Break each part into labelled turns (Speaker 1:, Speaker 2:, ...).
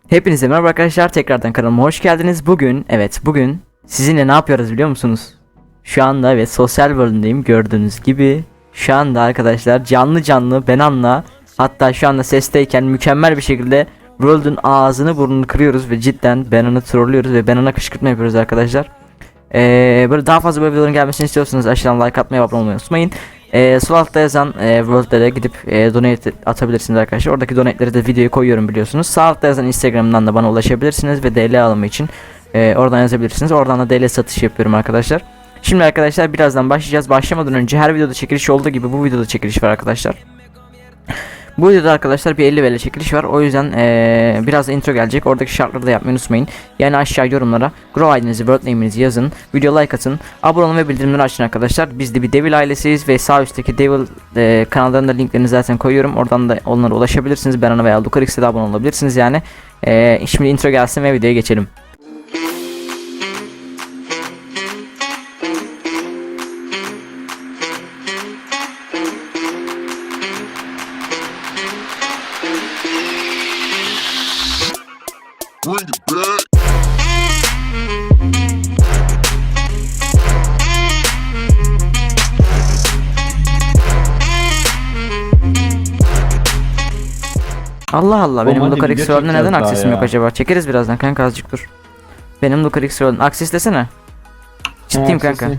Speaker 1: Hepinize merhaba arkadaşlar, tekrardan kanalıma hoş geldiniz. Bugün sizinle ne yapıyoruz biliyor musunuz? Şu anda sosyal world'ündeyim, gördüğünüz gibi. Şu anda arkadaşlar canlı Benan'la, hatta şu anda sesteyken mükemmel bir şekilde world'ün ağzını burnunu kırıyoruz ve cidden Benan'ı trollüyoruz ve Benan'a kışkırtma yapıyoruz arkadaşlar. Böyle daha fazla böyle videoların gelmesini istiyorsanız aşağıdan like atmayı, abone olmayı unutmayın. Sol altta yazan World'de de gidip donate atabilirsiniz arkadaşlar. Oradaki donate'leri de videoya koyuyorum biliyorsunuz. Sağ altta yazan Instagram'dan da bana ulaşabilirsiniz ve DL alımı için oradan yazabilirsiniz. Oradan da DL satış yapıyorum arkadaşlar. Şimdi arkadaşlar birazdan başlayacağız. Başlamadan önce her videoda çekiliş olduğu gibi bu videoda çekiliş var arkadaşlar. Bu videoda arkadaşlar bir 50 TL çekiliş var. O yüzden biraz da intro gelecek. Oradaki şartları da yapmayı unutmayın. Yani aşağı yorumlara Grow ID'nizi, World Name'inizi yazın. Video like atın. Abone olun ve bildirimleri açın arkadaşlar. Biz de bir Devil ailesiyiz ve sağ üstteki Devil kanallarında linklerini zaten koyuyorum. Oradan da onlara ulaşabilirsiniz. Benana veya Lucarix'e de abone olabilirsiniz yani. Şimdi intro gelsin ve videoya geçelim.
Speaker 2: Bring it back.
Speaker 1: Allah Allah, benim
Speaker 3: Hadi
Speaker 1: Lucarix
Speaker 3: video
Speaker 1: World'da neden
Speaker 3: çekeceğiz
Speaker 1: aksesim
Speaker 3: daha
Speaker 1: yok
Speaker 3: ya.
Speaker 1: acaba? Çekeriz birazdan kanka, azıcık dur. Benim Lucarix World'un akses desene. Ciddiyim kanka.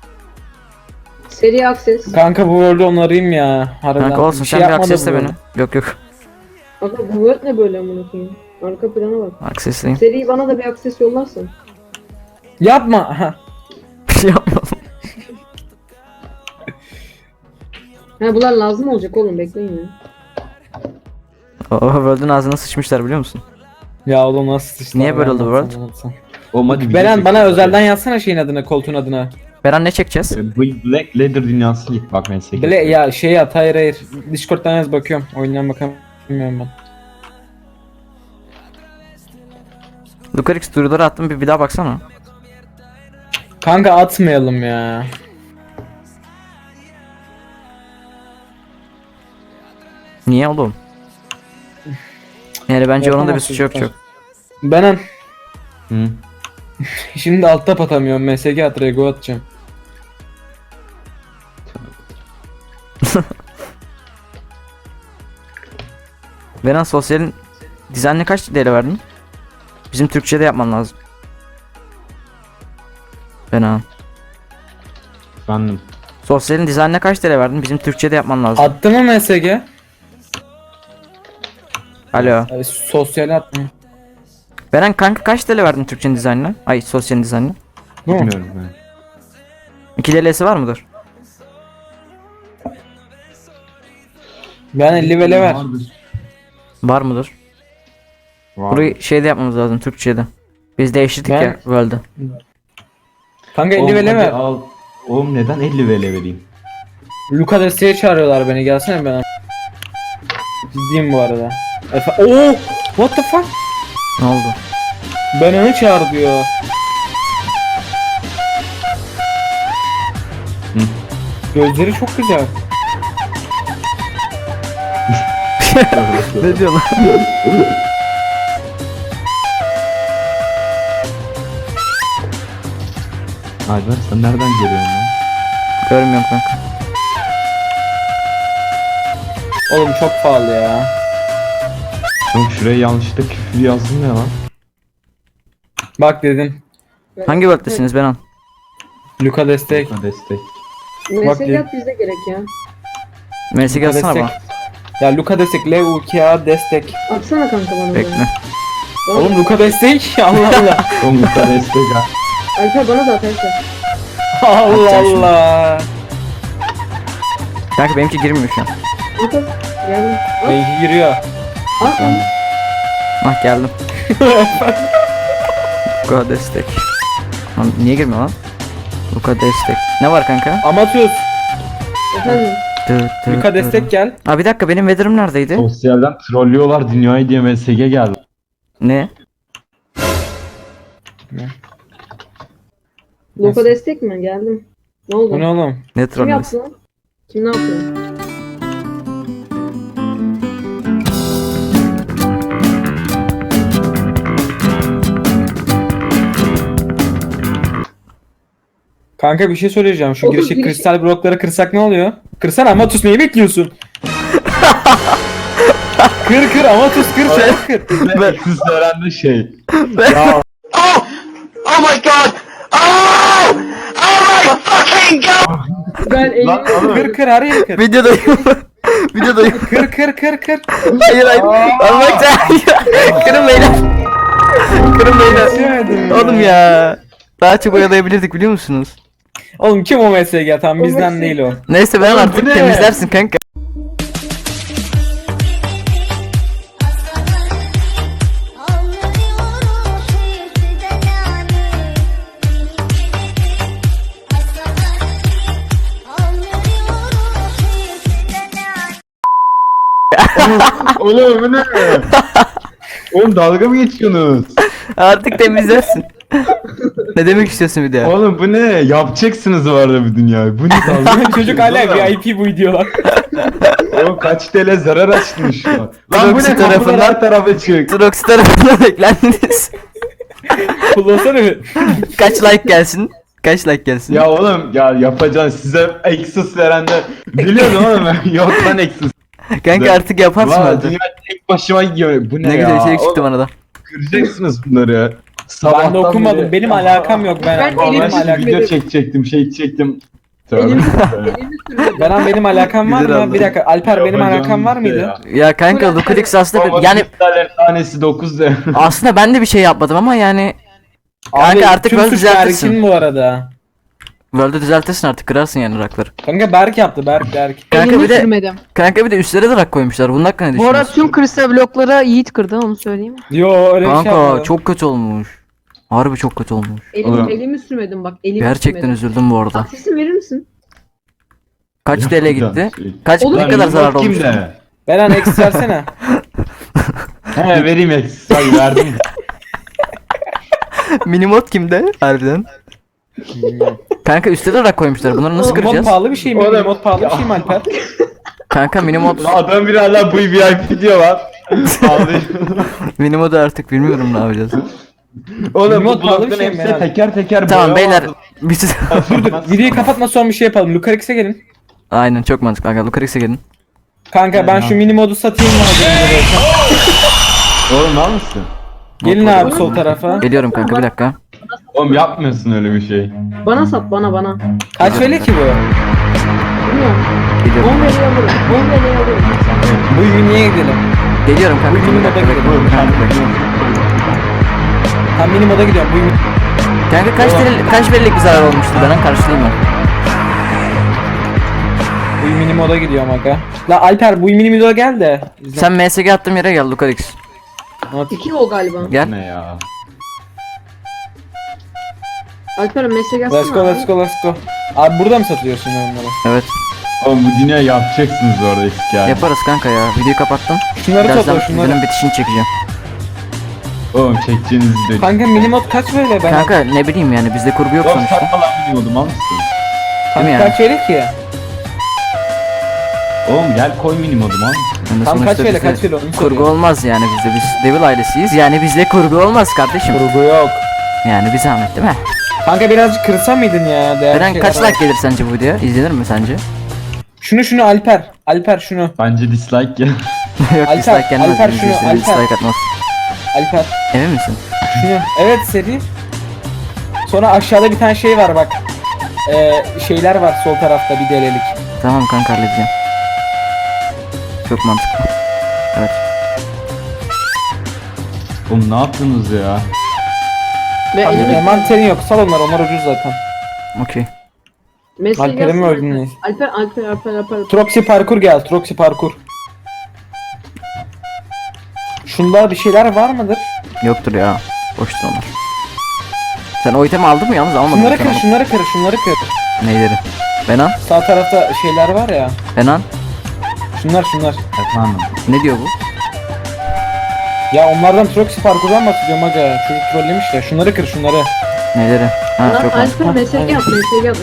Speaker 4: Seri akses.
Speaker 5: Kanka bu World'u onarayım ya. Harbiden.
Speaker 1: Kanka olsun, sen bir
Speaker 5: yapmadım
Speaker 1: aksesle
Speaker 5: bu
Speaker 1: beni.
Speaker 5: World.
Speaker 1: Yok.
Speaker 4: Aga bu word ne böyle amına koyayım? Arka plana bak.
Speaker 1: Aksesleyim.
Speaker 4: Seri bana da bir akses yollarsın.
Speaker 5: Yapma. Ha.
Speaker 1: Bir şey yapmadım.
Speaker 4: Ha bunlar lazım olacak oğlum, bekleyin ya.
Speaker 1: O World'un ağzına sıçmışlar biliyor musun?
Speaker 5: Ya oğlum nasıl sıçtı?
Speaker 1: Niye böyle oldu
Speaker 5: Anlatsana,
Speaker 1: World?
Speaker 5: anlatsana.
Speaker 3: Oğlum hadi video
Speaker 5: Beren bana
Speaker 3: çekelim.
Speaker 5: özelden yazsana şeyin adına, koltuğun adına.
Speaker 1: Beren ne çekeceğiz?
Speaker 3: Black Leather dünyası git bak meslek.
Speaker 5: Bile ya şey at, hayır. Discord'dan yaz, bakıyorum. Oyundan bakamıyorum ben.
Speaker 1: Lucarix duyuruları attım, bir daha baksana.
Speaker 5: Kanka atmayalım ya.
Speaker 1: Niye oğlum? Yani bence onun da bir
Speaker 5: Yapamazsın
Speaker 1: suçu yok
Speaker 5: zaten.
Speaker 1: çok.
Speaker 5: Beren
Speaker 3: Hı.
Speaker 5: şimdi altta atamıyorum. MSG at, Rego atacağım.
Speaker 1: Beren sosyalin dizaynına kaç TL verdin? Bizim Türkçe'de yapman lazım. Beren.
Speaker 3: Efendim.
Speaker 1: Sosyalin dizaynına kaç TL verdin? Bizim Türkçe'de yapman lazım.
Speaker 5: Attı mı MSG?
Speaker 1: Alo.
Speaker 5: Sosyal atma.
Speaker 1: Beren kanka kaç TL verdin Türkçe'nin dizaynına? Ay, sosyalin dizaynına.
Speaker 5: Bu mu?
Speaker 3: Bilmiyorum ben.
Speaker 1: 2 TL'si var mıdır?
Speaker 5: Ben 50 vele ver.
Speaker 3: Vardır.
Speaker 1: Var mıdır?
Speaker 3: Vardır.
Speaker 1: Burayı şeyde yapmamız lazım, Türkçe'de. Biz değiştirdik
Speaker 5: Ben-
Speaker 1: ya World'ı.
Speaker 5: Kanka 50
Speaker 3: Oğlum
Speaker 5: vele
Speaker 3: hadi
Speaker 5: ver.
Speaker 3: al. Oğlum neden 50 vele vereyim?
Speaker 5: Luka desteğe çağırıyorlar beni, gelsene ben. Ciddiyim bu arada. Oo! What the fuck?
Speaker 1: Ne oldu?
Speaker 5: Ben onu çağır diyor.
Speaker 3: Hı.
Speaker 5: Gözleri çok güzel.
Speaker 1: Ne diyorsun lan?
Speaker 3: Alper sen nereden geliyorsun lan?
Speaker 1: Görmüyorum kanka.
Speaker 5: Oğlum çok pahalı ya.
Speaker 3: Oğlum şuraya yanlışlıkla küfür yazdın ya lan.
Speaker 5: Bak dedim.
Speaker 1: Hangi World'desiniz Benan?
Speaker 5: Luka destek.
Speaker 3: Buna destek.
Speaker 5: Bak
Speaker 4: MSG at bizde gerek ya.
Speaker 1: Mesaj
Speaker 5: Luka
Speaker 1: atsana
Speaker 5: destek.
Speaker 1: bana.
Speaker 5: Ya Luka destek, LUKA destek.
Speaker 4: Atsana kanka bana da.
Speaker 1: Bekle.
Speaker 5: Oğlum Luka destek. Allah Allah.
Speaker 3: Oğlum bu destek ha.
Speaker 4: Alper bana da at Alper.
Speaker 5: Allah
Speaker 1: Atacağım şimdi.
Speaker 5: Allah.
Speaker 1: Kanka benimki girmiyor şu an.
Speaker 4: At at. Geldim. At
Speaker 5: Benimki giriyor.
Speaker 4: at lan.
Speaker 1: Ah, geldim. Luka destek. Lan niye girmiyor lan? Luka destek. Ne var kanka?
Speaker 5: Amatöz.
Speaker 4: Efendim.
Speaker 5: Luka destek gel.
Speaker 1: Aa, bir dakika, benim weather'ım neredeydi?
Speaker 3: Sosyalden trollüyorlar dünyayı diye MSG geldi.
Speaker 1: Ne?
Speaker 4: Loka destek mi? Geldim. Ne oldu?
Speaker 5: Bu ne oğlum?
Speaker 1: Ne
Speaker 4: Kim
Speaker 1: trollü?
Speaker 4: yaptı lan? Kim ne yapıyor?
Speaker 5: Kanka bir şey söyleyeceğim. Şu
Speaker 4: Oğlum,
Speaker 5: girişik
Speaker 4: giriş-
Speaker 5: kristal blokları kırsak ne oluyor? Kırsana Amatus, neyi bekliyorsun? Kır Amatus, kır çabuk kır.
Speaker 3: Eksiz öğrendi şey.
Speaker 5: Ya
Speaker 4: Ben elimi
Speaker 3: Lan oğlum.
Speaker 5: kır her yeri kır.
Speaker 1: Videodayım. Videodayım.
Speaker 5: Kır.
Speaker 1: Hayır hayır. Almak Kırın beyler. Kırın beyler.
Speaker 5: Geçemedim ya.
Speaker 1: Oğlum ya. Daha çok oyalayabilirdik biliyor musunuz?
Speaker 5: Oğlum kim o MSG? Tam
Speaker 4: O
Speaker 5: bizden
Speaker 4: MSG.
Speaker 5: değil o.
Speaker 1: Neyse ben
Speaker 3: Oğlum,
Speaker 1: artık
Speaker 3: bu ne?
Speaker 1: temizlersin kanka.
Speaker 3: Oğlum bu ne? Oğlum dalga mı geçiyorsunuz?
Speaker 1: Artık temizlersin. Ne demek istiyorsun bir de?
Speaker 3: Oğlum bu ne? Yapacaksınız bu arada bu dünyayı. Bu ne dalga?
Speaker 5: Çocuk hala VIP bu videolar.
Speaker 3: Oğlum kaç TL zarar açtın şu an. Lan bu
Speaker 1: Proxy
Speaker 3: ne? Kapılar
Speaker 1: tarafından-
Speaker 3: her tarafa çık.
Speaker 1: Trox tarafından beklendiniz.
Speaker 5: Kullansana bir.
Speaker 1: Kaç like gelsin? Kaç like gelsin?
Speaker 3: Ya oğlum ya yapacaksın size Exus verenler biliyordum oğlum ben. Yok lan Exus.
Speaker 1: Kanka artık yaparsın
Speaker 3: Valla
Speaker 1: artık.
Speaker 3: dünya tek başıma gidiyor. Bu ne,
Speaker 1: Ne
Speaker 3: ya?
Speaker 1: güzel şey çıktı
Speaker 3: Oğlum,
Speaker 1: bana da.
Speaker 3: kıracaksınız bunları.
Speaker 5: Ben de
Speaker 3: Sabahtan
Speaker 5: okumadım.
Speaker 3: beri-
Speaker 5: Benim alakam yok.
Speaker 4: Ben
Speaker 5: Benim
Speaker 3: Vallahi
Speaker 4: elimi
Speaker 3: şimdi
Speaker 5: alakam.
Speaker 3: video çekecektim, şey çekecektim.
Speaker 4: elimi
Speaker 3: Tövbe.
Speaker 4: elimi sürmedim.
Speaker 5: Benim alakam var
Speaker 3: Güzel
Speaker 5: mı?
Speaker 3: oldu.
Speaker 5: Bir dakika. Alper benim
Speaker 3: Yapacağım
Speaker 5: alakam var
Speaker 3: bir şey
Speaker 5: mıydı?
Speaker 3: ya.
Speaker 1: Ya kanka
Speaker 4: Bu ne?
Speaker 1: Lukrix aslında
Speaker 3: Baba
Speaker 1: yani
Speaker 3: kristallerin tanesi 9 de.
Speaker 1: aslında ben de bir şey yapmadım ama yani
Speaker 5: Abi,
Speaker 1: kanka artık
Speaker 5: tüm
Speaker 1: böyle
Speaker 5: suç
Speaker 1: düzeltirsin.
Speaker 5: Berk'in bu arada.
Speaker 1: World'ü düzeltirsin artık kırarsın yani rakları.
Speaker 5: Kanka Berk yaptı. Berk.
Speaker 1: Kanka
Speaker 2: Elimi
Speaker 1: bir de
Speaker 2: sürmedim.
Speaker 1: kanka bir de üstlere de rak koymuşlar. Bunun hakkında ne
Speaker 2: Bu arada
Speaker 1: düşünüyorsun?
Speaker 2: tüm kristal bloklara Yiğit kırdı onu söyleyeyim.
Speaker 5: Yo öyle bir şey
Speaker 1: Kanka
Speaker 5: yapmadım.
Speaker 1: çok kötü olmuş. Harbi çok kötü olmuş.
Speaker 3: Oğlum.
Speaker 4: Elimi sürmedim bak. Elimi
Speaker 1: Gerçekten
Speaker 4: sürmedim.
Speaker 1: üzüldüm bu arada.
Speaker 4: Aksesin verir misin?
Speaker 1: Kaç TL gitti? Kaç
Speaker 4: Oğlum,
Speaker 1: ne kadar zarar olmuş?
Speaker 3: Kimde?
Speaker 5: Beren eksi versene.
Speaker 3: He vereyim Exus. Hadi verdim.
Speaker 1: Minimot kimde? Harbiden. Kanka üstte de rak koymuşlar. Bunları nasıl
Speaker 5: Mod
Speaker 1: kıracağız?
Speaker 5: pahalı bir şey mi?
Speaker 3: Oğlum.
Speaker 5: Mod pahalı bir şey mi Alper?
Speaker 1: Kanka minimot
Speaker 3: Adam bir hala bu VIP diyor lan. Ağlıyor.
Speaker 1: minimodu artık bilmiyorum ne yapacağız.
Speaker 3: Oğlum
Speaker 5: Remote
Speaker 3: bu
Speaker 5: pahalı bir
Speaker 3: blokların
Speaker 5: şey mi
Speaker 3: hepsi
Speaker 5: yani?
Speaker 3: teker teker
Speaker 1: Tamam
Speaker 3: boya
Speaker 1: beyler.
Speaker 3: vardı.
Speaker 1: Biz
Speaker 5: Videoyu kapatma son bir şey yapalım. Lucarix'e gelin.
Speaker 1: Aynen çok mantıklı kanka. Lucarix'e gelin.
Speaker 5: Kanka ben şu mini modu satayım mı?
Speaker 3: Oğlum var mısın?
Speaker 5: Gelin abi sol tarafa.
Speaker 1: Geliyorum kanka bir dakika.
Speaker 3: Oğlum yapmıyorsun öyle bir şey.
Speaker 4: Bana sat bana.
Speaker 5: Kaç veli ki bu?
Speaker 4: Bilmiyorum.
Speaker 1: Geliyorum.
Speaker 4: 10 veriye alırım. 10 veriye alırım.
Speaker 5: Bu miniye gidelim.
Speaker 1: Geliyorum kanka.
Speaker 5: Bu
Speaker 1: bir
Speaker 5: mini
Speaker 1: dakika
Speaker 5: moda
Speaker 1: bekle.
Speaker 5: gidelim. Tam mini moda gidiyorum.
Speaker 1: Kanka kaç verilik bir zarar olmuştu bana karşılayayım mı?
Speaker 5: Bu mini moda gidiyorum aga. La Alper bu mini moda gel de.
Speaker 1: Sen MSG attığım yere gel Lucarix.
Speaker 4: 2 o galiba.
Speaker 1: Gel.
Speaker 3: Ne ya?
Speaker 4: Alper mesaj yazsana.
Speaker 5: Let's go. Abi burada mı satıyorsun onları?
Speaker 1: Evet.
Speaker 3: Oğlum bu dünya yapacaksınız orada eski yani.
Speaker 1: Yaparız kanka ya. Videoyu kapattım.
Speaker 5: Şunları
Speaker 1: Birazdan
Speaker 5: topla şunları.
Speaker 1: videonun bitişini çekeceğim.
Speaker 3: Oğlum çekeceğiniz video.
Speaker 5: Kanka mini mod kaç böyle ben?
Speaker 1: Kanka ne bileyim yani bizde kurgu yok
Speaker 3: Oğlum
Speaker 1: sonuçta.
Speaker 3: satma lan bilmiyordum al mısın?
Speaker 1: Değil mi yani?
Speaker 5: Kaç veli ki?
Speaker 3: Oğlum gel koy minimodum al mısın?
Speaker 1: Yani
Speaker 5: Tam
Speaker 1: sonuçta
Speaker 5: kaç veli
Speaker 1: bizde
Speaker 5: kaç veli onu
Speaker 1: kurgu
Speaker 5: soruyorum.
Speaker 1: olmaz yani bizde. Biz Devil ailesiyiz. Yani bizde kurgu olmaz kardeşim.
Speaker 5: Kurgu yok.
Speaker 1: Yani bir zahmet değil mi?
Speaker 5: Kanka birazcık kırsa mıydın ya? Değerli
Speaker 1: Eren
Speaker 5: şeyler
Speaker 1: kaç
Speaker 5: var.
Speaker 1: like gelir sence bu video? İzlenir mi sence?
Speaker 5: Şunu Alper. Alper şunu.
Speaker 3: Bence dislike ya.
Speaker 1: Yok
Speaker 5: Alper,
Speaker 1: dislike gelmez.
Speaker 5: Alper
Speaker 1: Biz
Speaker 5: şunu,
Speaker 1: izleriz,
Speaker 5: Alper.
Speaker 1: dislike atmaz.
Speaker 5: Alper.
Speaker 1: Emin misin?
Speaker 5: Şunu. Evet seri. Sonra aşağıda bir tane şey var bak. Şeyler var sol tarafta bir delelik.
Speaker 1: Tamam kanka halledeceğim. Çok mantıklı. Evet.
Speaker 3: Oğlum ne yaptınız ya?
Speaker 4: Ve
Speaker 5: Kanka
Speaker 4: elimi
Speaker 5: manterin yok. Sal onlar ucuz zaten.
Speaker 1: Okey.
Speaker 4: mesaj
Speaker 5: Alper'e mi
Speaker 4: yazsana.
Speaker 5: öldün neyse?
Speaker 4: Alper.
Speaker 5: Troxy parkur gel. Troxy parkur. Şunda bir şeyler var mıdır?
Speaker 1: Yoktur ya. Boştur onlar. Sen o itemi aldın mı yalnız almadın
Speaker 5: Şunları
Speaker 1: mı?
Speaker 5: kır,
Speaker 1: Tamam.
Speaker 5: şunları kır.
Speaker 1: Neyleri? Benan?
Speaker 5: Sağ tarafta şeyler var ya.
Speaker 1: Benan?
Speaker 5: Şunlar.
Speaker 3: Efendim.
Speaker 1: Ne diyor bu?
Speaker 5: Ya onlardan Troxy parkurdan bahsediyorum aga. Çocuk trollemiş de. Şunları kır, şunları.
Speaker 1: Neyleri? Ha
Speaker 4: Lan
Speaker 1: çok mantıklı.
Speaker 4: Alper mesaj yap.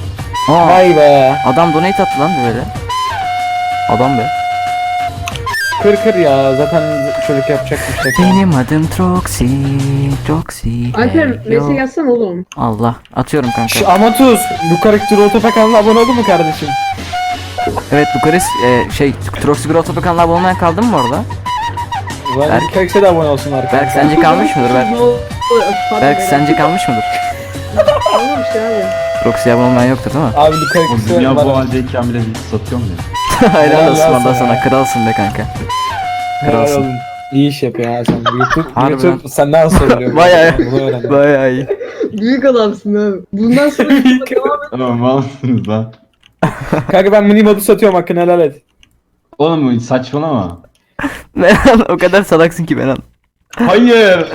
Speaker 1: Aa,
Speaker 5: Vay be.
Speaker 1: adam donate attı lan böyle. Adam be.
Speaker 5: Kır ya zaten çocuk yapacak bir şey.
Speaker 1: Benim adım Troxy. Troxy.
Speaker 4: Alper
Speaker 1: hey, yo.
Speaker 4: mesaj yazsana oğlum.
Speaker 1: Allah atıyorum kanka.
Speaker 5: Şu Amatuz bu karakter Otopa kanalına abone oldun mu kardeşim?
Speaker 1: Evet Lucaris Troxy Growth Topu kanalına abone olmayan kaldı mı bu arada?
Speaker 5: Ben
Speaker 1: Berk.
Speaker 5: bu karaktere de abone olsunlar.
Speaker 1: Berk sence kalmış mıdır Berk?
Speaker 4: Ne oldu? Pardon,
Speaker 1: Berk
Speaker 4: beyler.
Speaker 1: sence kalmış mıdır?
Speaker 4: Olmamış abi.
Speaker 1: Troxy'ye abone olmayan yoktur değil mi?
Speaker 5: Abi bu
Speaker 3: Oğlum
Speaker 5: karakter
Speaker 3: dünya bu
Speaker 5: var.
Speaker 3: haldeyken bile bir satıyor mu ya?
Speaker 1: Helal
Speaker 5: Helal
Speaker 1: olsun
Speaker 5: olsun
Speaker 1: valla
Speaker 5: ya.
Speaker 1: sana kralsın be kanka.
Speaker 5: Helal
Speaker 1: Kralsın.
Speaker 5: olsun. İyi iş yapıyor ya sen. YouTube,
Speaker 1: Harbiden.
Speaker 5: YouTube senden söylüyor.
Speaker 1: Bayağı-
Speaker 5: Bunu öğrendim.
Speaker 1: Bayağı iyi.
Speaker 4: Büyük adamsın abi. Bundan sonra devam et.
Speaker 3: Oğlum malsınız lan.
Speaker 5: Kanka ben mini modu satıyorum hakkını helal et.
Speaker 3: Oğlum saçmalama.
Speaker 1: Benan o kadar salaksın ki Benan.
Speaker 3: Hayır.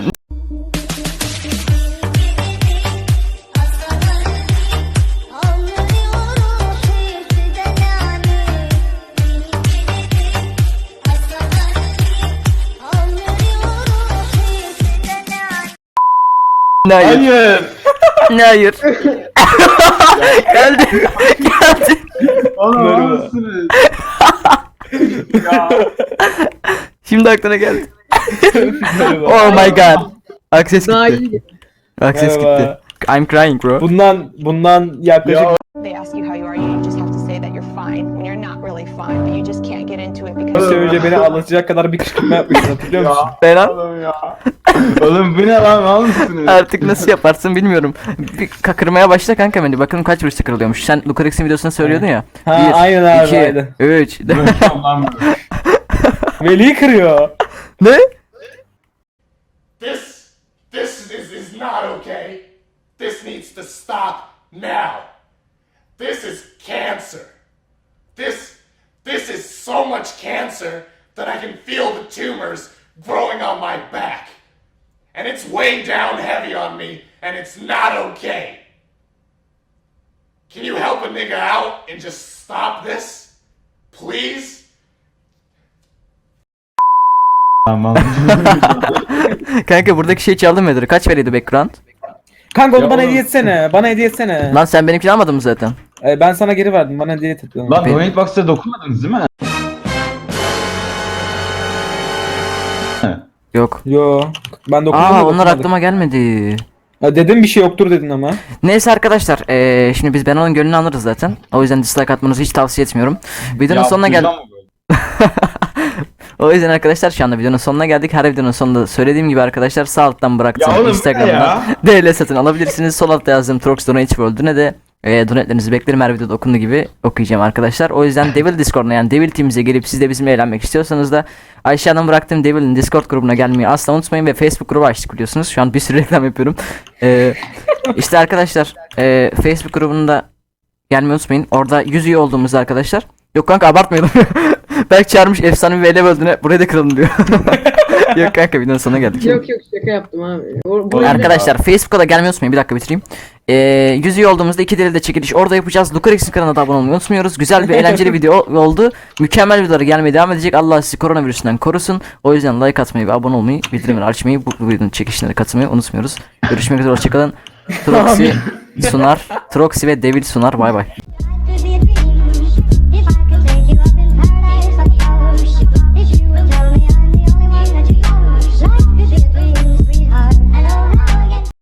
Speaker 1: Ne hayır?
Speaker 3: Hayır.
Speaker 1: Ne hayır? Geldi. Geldi.
Speaker 3: Oğlum
Speaker 5: Merhaba.
Speaker 3: malsınız. Ya.
Speaker 1: Şimdi aklına geldi. Oh my god. Access
Speaker 4: Daha
Speaker 1: gitti.
Speaker 4: iyi.
Speaker 1: Access gitti.
Speaker 5: Merhaba.
Speaker 1: I'm crying bro.
Speaker 5: Bundan yaklaşık
Speaker 3: Ya.
Speaker 6: They ask you how you are, you just have to say that you're fine when you're not really fine, but you just can't get into it
Speaker 5: bir
Speaker 6: because
Speaker 5: süre önce beni ağlatacak kadar bir kışkırtma yapmışsın hatırlıyor musun?
Speaker 1: Benan
Speaker 3: Oğlum ya. Oğlum bu ne lan malsınız?
Speaker 1: artık nasıl yaparsın bilmiyorum. Bir kakırmaya başla kanka beni. Bakalım kaç vuruşta kırılıyormuş. Sen Lucarix'in videosunda söylüyordun ya.
Speaker 5: Ha, aynen abi,
Speaker 1: 2,
Speaker 5: aynen.
Speaker 1: 3.
Speaker 3: Bırakıyorum lan bunu.
Speaker 5: Veli kırıyor.
Speaker 1: Ne?
Speaker 7: This is not okay. This needs to stop now. This is cancer. This is so much cancer that I can feel the tumors growing on my back. And it's way down heavy on me, and it's not okay. Can you help a nigga out and just stop this? Please?
Speaker 3: Tamam.
Speaker 1: Kanka buradaki şey çaldı mıdır? Kaç veriyordu background?
Speaker 5: Kanka onu
Speaker 3: Ya
Speaker 5: bana
Speaker 3: oğlum.
Speaker 5: hediye etsene. Bana hediye etsene.
Speaker 1: Lan sen benimkini almadın mı zaten?
Speaker 5: Ben sana geri verdim. Bana hediye et.
Speaker 3: Lan Donate Box'a dokunmadınız değil mi?
Speaker 1: Yok.
Speaker 5: Yo. Ben dokunmadım.
Speaker 1: Aa onlar
Speaker 5: dokunmadım.
Speaker 1: aklıma gelmedi.
Speaker 5: Ya dedim bir şey yoktur dedin ama.
Speaker 1: Neyse arkadaşlar şimdi biz Benan'ın gönlünü alırız zaten. O yüzden dislike atmanızı hiç tavsiye etmiyorum. Videonun sonuna geldik.
Speaker 3: duyacağım mı böyle?
Speaker 1: O yüzden arkadaşlar şu anda videonun sonuna geldik. Her videonun sonunda söylediğim gibi arkadaşlar sağ alttan bıraktım
Speaker 3: Ya oğlum, bu ne
Speaker 1: Instagram'dan
Speaker 3: ya?
Speaker 1: DL satın alabilirsiniz. Sol altta yazdığım Trox Donate World'üne de donetlerinizi beklerim, her videoda okunduğu gibi okuyacağım arkadaşlar. O yüzden Devil Discord'una yani Devil Team'imize gelip siz de bizimle eğlenmek istiyorsanız da aşağıdan bıraktığım Devil'in Discord grubuna gelmeyi asla unutmayın ve Facebook grubu açtık biliyorsunuz. Şu an bir sürü reklam yapıyorum. İşte arkadaşlar Facebook grubunda gelmeyi unutmayın. Orada 100 üye olduğumuzda arkadaşlar. Yok kanka abartmayalım. Belki çağırmış efsane bir ele böldüğüne buraya da kıralım diyor. Yok kanka videonun sonuna geldik.
Speaker 4: Yok şaka yaptım abi.
Speaker 1: Arkadaşlar Facebook'a da gelmeyi unutmayın. Bir dakika bitireyim. 100 üye olduğumuzda 2 de çekiliş orada yapacağız. Lucarix'in kanalına da abone olmayı unutmuyoruz. Güzel bir eğlenceli video oldu. Mükemmel videoları gelmeye devam edecek. Allah sizi koronavirüsünden korusun. O yüzden like atmayı ve abone olmayı, bildirimleri açmayı, bu videonun çekişlerine katılmayı unutmuyoruz. Görüşmek üzere, hoşçakalın. Troxy sunar. Troxy ve Devil sunar. Bay bay.